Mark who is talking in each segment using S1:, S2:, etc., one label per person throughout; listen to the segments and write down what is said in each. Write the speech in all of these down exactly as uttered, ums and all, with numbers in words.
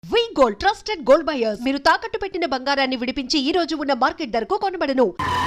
S1: వి gold trusted gold buyers మీరు తాకట్టు పెట్టిన బంగారాన్ని విడిపించి ఈ రోజు ఉన్న మార్కెట్ ధరకు కొనబడను.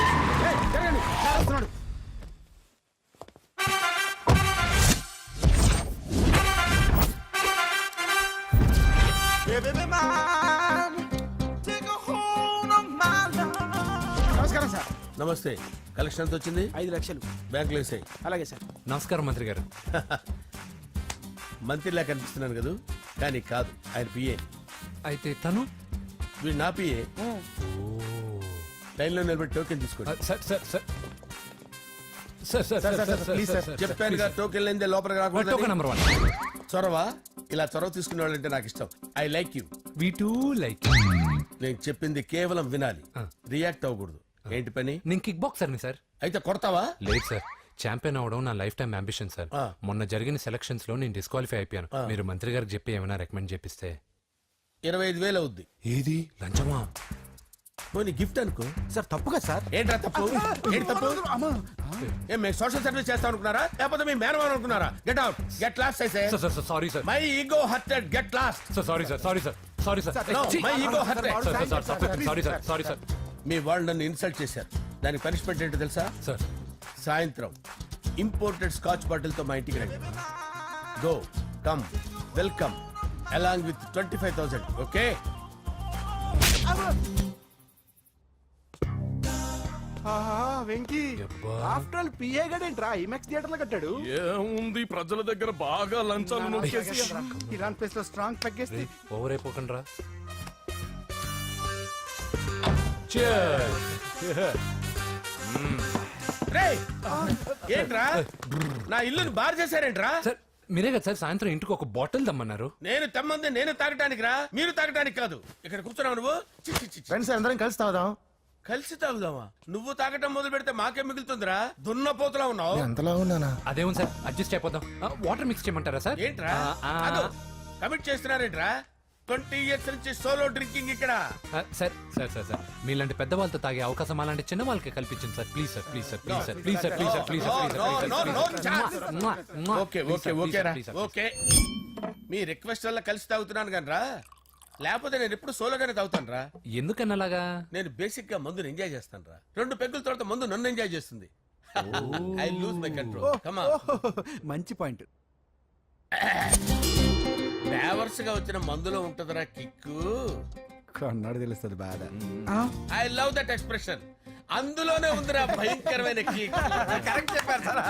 S2: నమస్కారం సార్.
S3: నమస్తే. కలెక్షన్ ఎంత వచ్చింది?
S2: ఐదు లక్షలు
S3: బ్యాంకులో వేసాయి.
S2: అలాగే సార్.
S4: నమస్కారం మంత్రి గారు.
S3: మంత్రిలా కనిపిస్తున్నాను కదా, కానీ కాదు, ఆయన పిఏ.
S4: అయితే తను
S3: వీడు నా పిఏ. లైన్లో నిలబడి టోకెన్ తీసుకోండి.
S4: Sir sir sir sir sir
S2: sir, sir, please sir.
S3: చెప్పాను కదా, టోకెన్ లేదే లోపలికి
S4: టోకెన్
S3: రాకూడదు.
S4: Number one.
S3: చొరవ, ఇలా చొరవ తీసుకునే వాళ్ళంటే నాకు ఇష్టం. I like you.
S4: We too like.
S3: నేను చెప్పింది కేవలం వినాలి,
S4: ఆ.
S3: రియాక్ట్ అవ్వకూడదు. ఏంటి పని?
S4: నేను కిక్ బాక్సర్ని సార్.
S3: అయితే కొడతావా?
S4: లేదు సార్, ఛాంపియన్ అవడం నా లైఫ్ టైం అంబిషన్ సార్.
S3: ఆ.
S4: మొన్న జరిగిన సెలక్షన్స్ లో నేను డిస్క్వాలిఫై అయిపోయాను.
S3: ఆ.
S4: మీరు మంత్రి గారికి చెప్పి ఏమైనా రికమెండ్ చేపిస్తే.
S3: ఇరవై ఐదు వేలు అవుద్ది.
S4: ఏది లంచమా?
S3: పోనీ గిఫ్ట్ అనుకో.
S2: సార్ తప్పుగా సార్.
S3: ఏంట్రా తప్పు? ఏంటి తప్పు? ఏం మేము సోషల్ సర్వీస్ చేస్తాం అనుకున్నారా, లేకపోతే మీ మేనమాన్ అనుకున్నారా? గెట్ అవుట్, గెట్ లాస్ట్ అయితే.
S4: Sir sir sir sorry sir.
S3: My ego hurted, get lost.
S4: Sir sorry sir sorry sir sorry sir.
S3: No, my ego hurt.
S4: Sir sir sir sorry sir sorry sir.
S3: మీ వాళ్ళు నన్ను insult చేశారు. దానికి punishment ఏంటో తెలుసా?
S4: Sir
S3: సాయంత్రం imported scotch bottle తో మా ఇంటికి రండి. Go come welcome along with twenty five thousand. Okay?
S2: Venky
S4: యబ్బా.
S2: ఆఫ్టర్ ఆల్ పిఏ గడేంట్రా ఇమెక్స్ థియేటర్ లో కట్టాడు.
S5: ఏముంది, ప్రజల దగ్గర బాగా లంచాలు నొక్కేసి
S2: ఇరాన్ ప్లేస్ లో స్ట్రాంగ్ తగ్గేస్తే
S4: ఓవర్ అయిపోకండి రా.
S3: రేయ్, ఏంట్రా నా ఇల్లుని బార్ చేశారేంట్రా?
S4: సార్ మీరే కదా సార్ సాయంత్రం ఇంటికి ఒక బాటిల్ దమ్మన్నారు.
S3: నేను తెమ్మంది నేను తాగటానికి రా, మీరు తాగటానికి కాదు. ఇక్కడ కూర్చున్నావు నువ్వు. చి, చి, చి, చి.
S2: ఫ్రెండ్స్ అందరం కలిసి తాగుదాం.
S3: కలిసి తాగుదామా? నువ్వు తాగటం మొదలు పెడితే మాకే మిగులుతుందిరా. దున్నపోతులా ఉన్నావు.
S2: ఎంతలా ఉన్నానా?
S4: అదేమో సార్ అడ్జస్ట్ అయిపోదాం. వాటర్ మిక్స్ చేయమంటారా సార్?
S3: ఏంట్రా
S4: ఆ, ఆ,
S3: కమిట్ చేస్తున్నారేంట్రా? ట్వంటీ ఇయర్స్ నుంచి సోలో డ్రింకింగ్ ఇక్కడ.
S4: ఆ, సార్ సార్ సార్ సార్ మీలాంటి పెద్ద వాళ్ళతో తాగే అవకాశం అలాంటి చిన్న వాళ్ళకి కల్పించండి sir. Please sir please sir please sir please sir please sir please
S3: No, no, no, no, no,
S4: sir
S3: okay okay okay రా ఓకే. మీ రిక్వెస్ట్ వల్ల కలిసి తాగుతున్నాను కానీ రా, లేకపోతే నేను ఎప్పుడు సోలోగానే తాగుతాను రా.
S4: ఎందుకన్నా అలాగా? నేను
S3: నేను బేసిక్ గా మందుని ఎంజాయ్ చేస్తాను రా. రెండు పెగ్గుల తర్వాత మందు నన్ను ఎంజాయ్ చేస్తుంది. I lose my control. Come on.
S2: మంచి పాయింట్.
S3: ఫ్లేవర్స్ గా వచ్చిన మందులో ఉంటదిరా కిక్కు.
S2: కన్నాడు తెలుస్తుంది బాధ.
S3: I love that expression. అందులోనే ఉందిరా భయంకరమైన కిక్. కరెక్ట్ చెప్పారు సార్.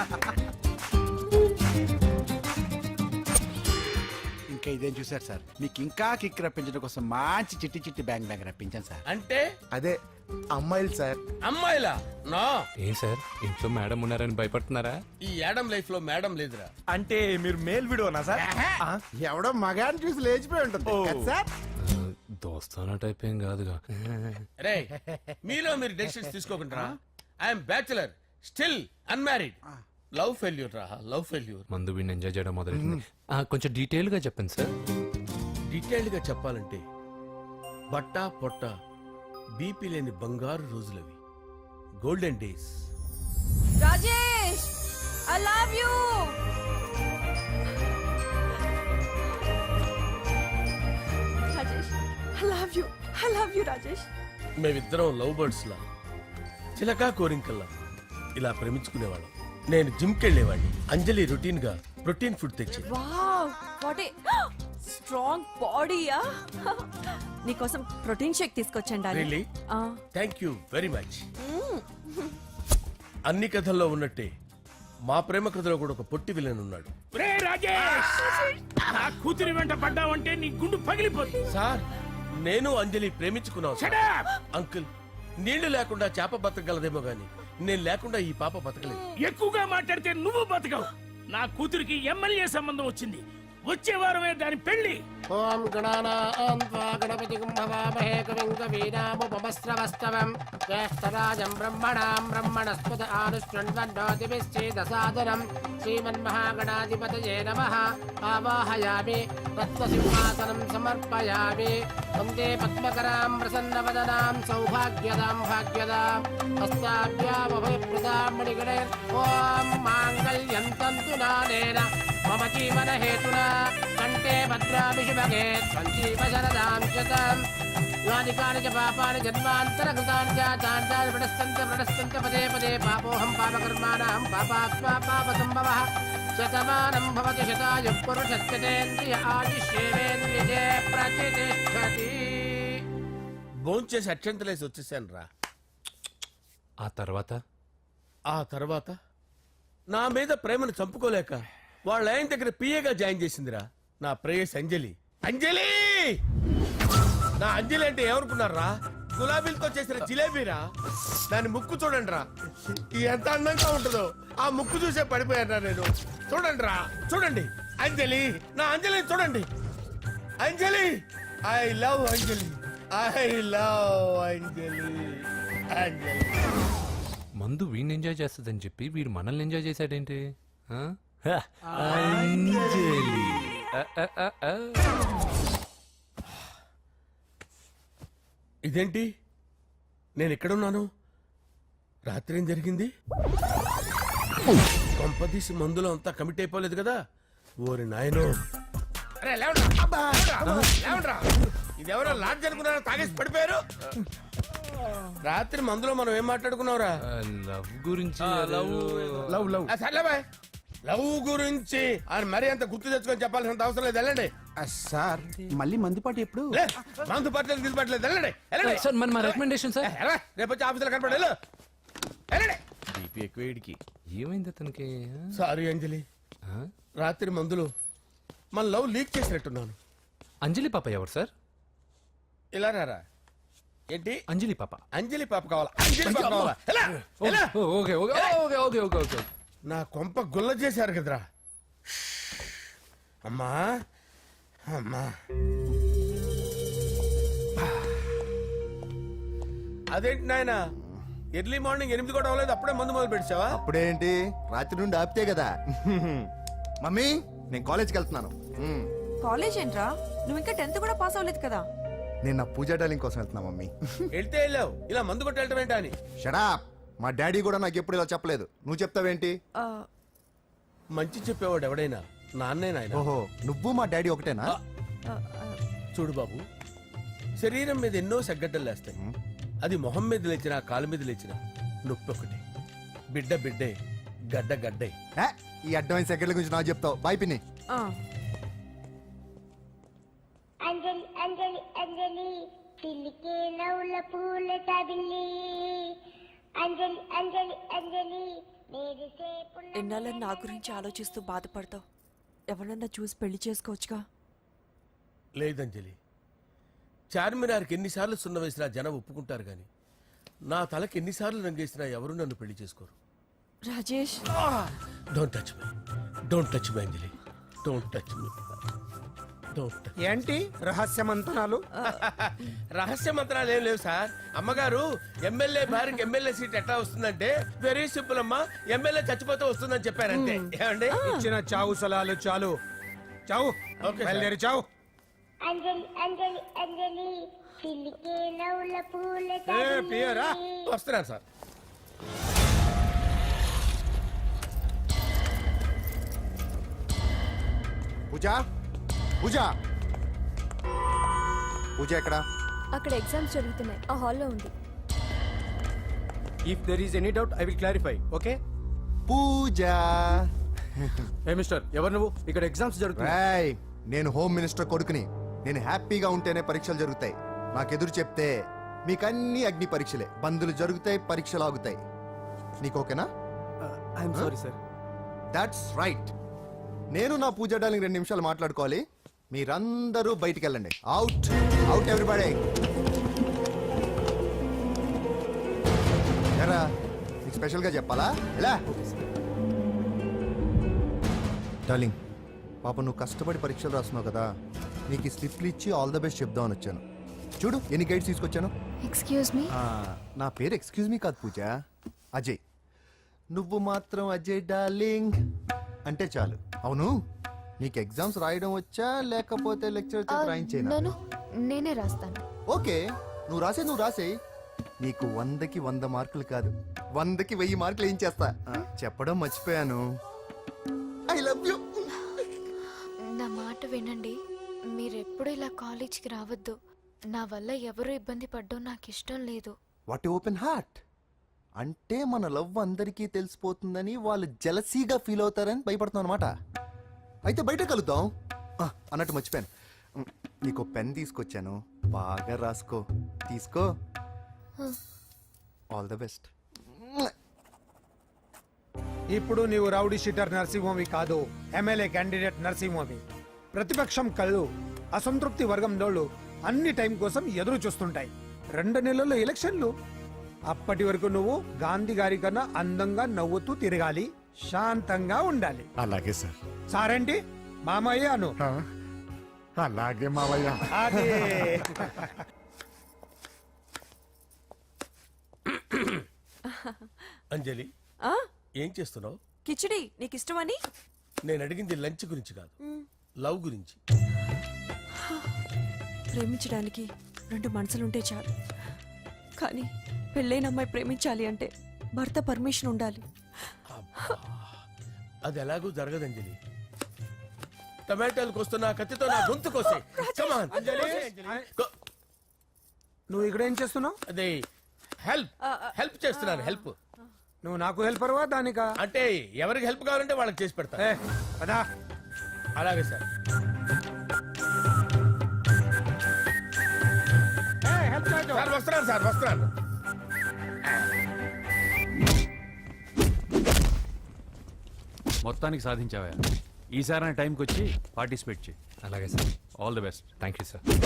S2: ఇంకా ఇదేం చూసారు సార్, మీకు ఇంకా కిక్ రప్పించడం కోసం మంచి చిట్టి చిట్టి బ్యాంగ్ బ్యాంగ్ రప్పించాను సార్.
S3: అంటే
S2: అదే అమ్మాయిలు సార్.
S3: అమ్మాయిలా? నా
S4: ఏం సార్ ఇంట్లో మేడం ఉన్నారని భయపడుతున్నారా?
S3: ఈ యాడమ్ లైఫ్ లో మేడం లేదురా.
S5: అంటే మీరు మేల్ వీడియోనా సార్?
S2: ఎవడో మగాన్ని చూసి లేచిపోయి ఉంటుంది కదా సార్.
S4: ఆ, దోస్తానా టైప్ ఏం కాదుగా.
S3: రే, మీలో మీరు డెసిషన్స్ తీసుకోకుండా. I'm bachelor, still unmarried. Love failure రా, లవ్ ఫెయిల్యూర్.
S4: మందు వీడిని ఎంజాయ్ చేయడం మొదలైంది. కొంచెం డీటెయిల్ గా చెప్పండి సార్.
S3: డీటెయిల్డ్ గా చెప్పాలంటే బట్టా పొట్ట బీపీ లేని బంగారు రోజులవి, golden days.
S6: Rajesh, I love you. Rajesh, I love you. I love you, Rajesh.
S3: మేమిద్దరం లవ్ బర్డ్స్ లా, చిలకా కోరింకల్లా ఇలా ప్రేమించుకునేవాళ్ళం. నేను జిమ్ కెళ్ళేవాడిని. అంజలి రొటీన్ గా ప్రోటీన్ ఫుడ్ తెచ్చి.
S6: Wow, what a strong body, ah. నీకోసం ప్రోటీన్ షేక్ తీసుకొచ్చండి.
S3: Really? Thank you very much. అన్ని కథల్లో ఉన్నట్టే మా ప్రేమ కథలో కూడా ఒక పొట్టి విలన్ ఉన్నాడు.
S5: నా కూతురి వెంట పడ్డావంటే నీ గుండు పగిలిపోతుంది.
S3: సార్, నేను అంజలి ప్రేమించుకున్నాను సార్. అంకుల్, నీళ్లు లేకుండా చేప బతకగలదేమో గాని నేను లేకుండా ఈ పాప బతకలేదు.
S5: ఎక్కువగా మాట్లాడితే నువ్వు బతకవు. నా కూతురికి ఎమ్మెల్యే సంబంధం వచ్చింది. వచ్చే వారమే దాని పెళ్లి.
S7: ఓం గణానాం త్వా గణపతిం భవామహే కవిం కవీనాముపమస్రవస్తవం జ్యేష్ఠరాజం బ్రహ్మణాం బ్రహ్మణస్పద ఆనుష్ణ్వన్నోతిభిశ్చేదసాదనం శ్రీమన్మహాగణాధిపతయే నమః. ఆవాహయామి తత్వసింహాసనం సమర్పయామి. వందే పద్మకరాం ప్రసన్నవదనాం సౌభాగ్యదాం భాగ్యదాం హస్తాభ్యామభయప్రదాం మణిగణైర్. ఓం మాంగళ్యం తంతునానేన మమ జీవన హేతునా కంటే భద్రాభిషుభగే సంజీవ శరదాం శతం యాని కాని చ పాపాని జన్మాంతర కృతాని చ తాని తాని ప్రణశ్యంత ప్రణశ్యంత పదే పదే పాపోహం పాపకర్మాణం పాపాత్మా పాప సంభవః శతమానం భవతి శతాయు పురుషస్యతేంద్రియ ఆదిశ్యేవేంద్రియే ప్రతిష్టతి.
S3: భోంచేసి అక్షంతలేసి వచ్చేసాను రా.
S4: ఆ తర్వాత
S3: ఆ తర్వాత నా మీద ప్రేమను చంపుకోలేక వాళ్ళ ఆయన దగ్గర పిఏగా జాయిన్ చేసిందిరా నా ప్రేయస్ అంజలి. అంజలి నా అంజలి అంటే ఏమనుకున్నారా? గులాబీలతో చేసిన జిలేబీరా. దాని ముక్కు చూడండి రా, ఎంత అందంగా ఉంటుందో. ఆ ముక్కు చూసే పడిపోయారా నేను. చూడండి రా, చూడండి అంజలి, నా అంజలి చూడండి. Anjali, I love Anjali, I love Anjali. Anjali
S4: మందు వీడిని ఎంజాయ్ చేస్తుందని చెప్పి వీడు మనల్ని ఎంజాయ్ చేశాడేంటి? ఆ? హ, అంజలి. ఆ, ఆ, ఆ, ఆ.
S3: ఇదేంటి, నేను ఎక్కడున్నాను? రాత్రి ఏం జరిగింది? కొంపదీసి మందులో అంతా కమిట్ అయిపోలేదు కదా? ఓరి నాయనో. అరే లేవండ్రా, అబ్బా, లేవండ్రా, లేవండ్రా. ఇదెవరో లాడ్జ్ అనుకున్నారో తాగేసి పడిపోయారు. రాత్రి మందులో మనం ఏం మాట్లాడుకున్నావురా?
S4: ఆ, లవ్ గురించి
S3: లవ్ లవ్ సర్లే బాయ్. లవ్ గురించి ఆయన మరీ అంత గుర్తు తెచ్చుకొని చెప్పాల్సినంత అవసరం లేదు. వెళ్ళండి.
S2: ఆ, సార్ మళ్ళీ మందుపాటి ఎప్పుడు?
S3: లే, మందు పట్టలేదు గిల్లు పట్టలేదు. వెళ్ళండి, వెళ్ళండి.
S4: సార్ మన మా రికమెండేషన్ సార్.
S3: ఏ, ఎలా? రేపు వచ్చి ఆఫీసులో కనపడి వెళ్ళు. వెళ్ళండి. బీపీ ఎక్కువ వీడికి.
S4: ఏమైంది అతనికి?
S3: సారీ అంజలి,
S4: ఆ?
S3: రాత్రి మందులు మన లవ్ లీక్ చేసినట్టున్నాను.
S4: అంజలి పాప ఎవరు సార్?
S3: ఇలా రారా. ఏంటి
S4: అంజలి పాప.
S3: అంజలి పాప కావాలా? అంజలి పాప కావాలా? ఎలా? ఎలా?
S4: ఓ, okay okay okay okay okay okay.
S3: నా కొంప గుల్ల చేశారు కదరా. అమ్మా అమ్మా, అదేంటి నాయన ఎర్లీ మార్నింగ్ ఎనిమిది కూడా అవ్వలేదు, అప్పుడే మందు మొదలు పెట్టావా?
S8: అప్పుడేంటి, రాత్రి నుండి ఆపితే కదా. మమ్మీ, నేను కాలేజ్కి వెళ్తున్నాను. మ్మ్.
S6: కాలేజ్ ఏంట్రా, నువ్వు ఇంకా టెన్త్ కూడా పాస్ అవ్వలేదు కదా.
S8: నేను నా పూజా డాలింగ్ కోసం వెళ్తున్నా మమ్మీ.
S3: వెళ్తే వెళ్ళావు, ఇలా మందు కొట్టి వెళ్ళటం ఏంటా అని.
S8: షడా, మా డాడీ కూడా నాకు ఎప్పుడు ఇలా చెప్పలేదు. నువ్వు చెప్తావేంటి?
S6: ఆ,
S3: మంచి చెప్పేవాడు ఎవడైనా నాన్నే నాయన.
S8: ఓహో, నువ్వు మా డాడీ ఒకటేనా?
S6: ఆ, ఆ,
S3: చూడు బాబు, శరీరం మీద ఎన్నో సగ్గడ్డలు లేస్తాయి. అది మొహం మీద లేచినా కాలు మీద లేచినా నొప్పి ఒకటి. బిడ్డ బిడ్డే, గడ్డ గడ్డే.
S8: ఏ, ఈ అడ్వాన్స్ సెకండ్ల గురించి నాకు చెప్తావు. బాయ్ పిన్ని.
S6: ఆ.
S9: అంజలి అంజలి అంజలి పిల్లికే నవ్వుల పూల తబిల్లి అంజలి అంజలి అంజలి మెరిసే పున్న
S6: ఎన్నాళ్ళని నా గురించి ఆలోచిస్తూ బాధపడతావు. ఎవరన్నా చూసి పెళ్లి చేసుకోవచ్చుగా.
S3: లేదంజలి, చార్మినార్కి ఎన్నిసార్లు సున్న వేసినా జనం ఒప్పుకుంటారు గాని నా తలకి ఎన్నిసార్లు రంగేసినా ఎవరు నన్ను పెళ్లి చేసుకోరు.
S6: Rajesh,
S3: don't touch me, don't touch me Anjali, don't touch me, don't touch.
S2: ఏంటి రహస్య మంతనాలు?
S3: రహస్య మంత్రాలు ఏం లేవు సార్. అమ్మగారు ఎమ్మెల్యే భార్యకి ఎమ్మెల్యే సీట్ ఎట్లా వస్తుందంటే వెరీ సింపుల్ అమ్మా, ఎమ్మెల్యే చచ్చిపోతే వస్తుందని చెప్పారంటే. ఏమండి?
S2: ఇచ్చిన చావు సలాలు చాలు. చావు.
S3: Okay sir.
S2: బయలుదేరి చావు.
S9: అంజలి అంజలి అంజలి పిల్లికే నవ్వుల పూల
S2: ఏ, ప్రియరా?
S9: తబిల్లి
S3: వస్తున్నాను సార్.
S8: పూజ, పూజ, పూజ ఎక్కడా?
S10: అక్కడ ఎగ్జామ్స్ జరుగుతున్నాయి, ఆ హాల్లో ఉంది.
S2: If there is any doubt I will clarify. Okay.
S8: Pooja.
S2: ఏ మిస్టర్, ఎవరు నువ్వు? ఇక్కడ ఎగ్జామ్స్ జరుగుతున్నాయి.
S8: రాయ్, నేను హోమ్ మినిస్టర్ కొడుకుని. నేను హ్యాపీగా ఉంటేనే పరీక్షలు జరుగుతాయి. నాకెదురు చెప్తే మీకన్నీ అగ్ని పరీక్షలే. బందులు జరుగుతాయి, పరీక్షలు ఆగుతాయి. నీకు ఓకేనా?
S2: I'm sorry sir.
S8: That's right. నేను నా పూజ డాలింగ్ రెండు నిమిషాలు మాట్లాడుకోవాలి. మీరందరూ బయటికి వెళ్ళండి. Out, out everybody. ఎరా, నీకు స్పెషల్గా చెప్పాలా? ఎలా డార్లింగ్, పాప నువ్వు కష్టపడి పరీక్షలు రాస్తున్నావు కదా, నీకు ఈ స్లిప్లు ఇచ్చి ఆల్ ద బెస్ట్ చెప్దామని వచ్చాను. చూడు ఎన్ని గైడ్స్ తీసుకొచ్చాను.
S10: Excuse me.
S8: ఆ, నా పేరు ఎక్స్క్యూజ్ మీ కాదు పూజ, అజయ్. నువ్వు మాత్రం అజయ్ డార్లింగ్ అంటే చాలు. అవును, నీకు ఎగ్జామ్స్ రాయడం వచ్చా లేకపోతే లెక్చర్ చేసి రాయించేనా?
S10: నన్ను నేనే రాస్తాను.
S8: ఓకే, నువ్వు రాసే నువ్వు రాసే. నీకు వందకి వంద మార్కులు కాదు, వందకి వెయ్యి మార్కులు ఏం చేస్తా. ఆ, చెప్పడం మర్చిపోయాను. I love you.
S10: కాలేజ్కి రావద్దు. నా వల్ల ఎవరు ఇబ్బంది పడ్డం నాకు ఇష్టం లేదు.
S8: వాట్ ఓపెన్ హార్ట్ అంటే మన లవ్ అందరికీ తెలిసిపోతుందని వాళ్ళు జలసీగా ఫీల్ అవుతారని భయపడుతున్నాను అనమాట. అయితే బయట కలుద్దాం. ఆ, అన్నట్టు మర్చిపోయాను, ఉమ్, నీకు పెన్ తీసుకొచ్చాను, బాగా రాసుకో. తీసుకో. All the best.
S11: ఇప్పుడు నీవు రౌడీ షీటర్ నరసింహవి కాదు, ఎమ్మెల్యే క్యాండిడేట్ నరసింహవి. ప్రతిపక్షం కళ్ళు అసంతృప్తి వర్గం నోళ్ళు అన్ని టైం కోసం ఎదురు చూస్తుంటాయి. రెండు నెలల్లో ఎలక్షన్లు. అప్పటి వరకు నువ్వు గాంధీ గారి కన్నా అందంగా నవ్వుతూ తిరగాలి, శాంతంగా ఉండాలి.
S2: అలాగే సార్.
S11: సారేంటి మామయ్య అను.
S2: అలాగే మావయ్య.
S11: అదే.
S3: అంజలి
S6: ఆ?
S3: ఏం చేస్తున్నావు?
S6: కిచిడి నీకు ఇష్టమని.
S3: నేను అడిగింది లంచ్ గురించి కాదు, లవ్ గురించి.
S6: ప్రేమించడానికి రెండు మనసులుంటే చాలు, కానీ పెళ్ళైన అమ్మాయి ప్రేమించాలి అంటే భర్త పర్మిషన్ ఉండాలి.
S3: అది ఎలాగూ జరగదు అంజలి. టమాటాలకు వస్తున్న కత్తితో నా గొంతు కోసే. Come on.
S11: Anjali,
S3: Go.
S11: నువ్వు ఇక్కడ ఏం చేస్తున్నావు?
S3: అదే హెల్ప్ హెల్ప్ చేస్తున్నాను. హెల్ప్
S11: నువ్వు నాకు హెల్పర్వా దానికా?
S3: అంటే ఎవరికి హెల్ప్ కావాలంటే వాళ్ళకి చేసి పెడతా.
S11: ఏ, పదా.
S3: అలాగే సార్.
S11: ఏ, హెల్ప్ చేయొద్దు.
S3: సార్ వస్తున్నాను సార్ వస్తున్నాను.
S12: మొత్తానికి సాధించావా? ఈసారి టైంకి వచ్చి పార్టిసిపేట్ చేయి.
S4: అలాగే sir.
S12: All the best.
S4: Thank you sir.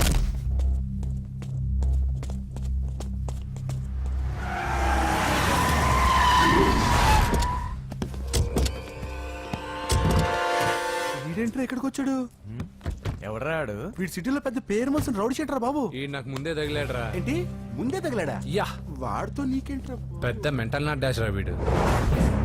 S2: వీడేంట్రా ఇక్కడికి వచ్చాడు?
S12: ఎవడ్రాడు?
S2: వీడి సిటీలో పెద్ద పేరు మోసిన రౌడీ షీటరా బాబు.
S4: ఈ నాకు ముందే తగిలాడరా.
S2: ఏంటి ముందే తగిలాడా?
S4: యా,
S2: వాడితో నీకేంట్రా?
S4: పెద్ద మెంటల్ నాట్ డాష్ రా వీడు.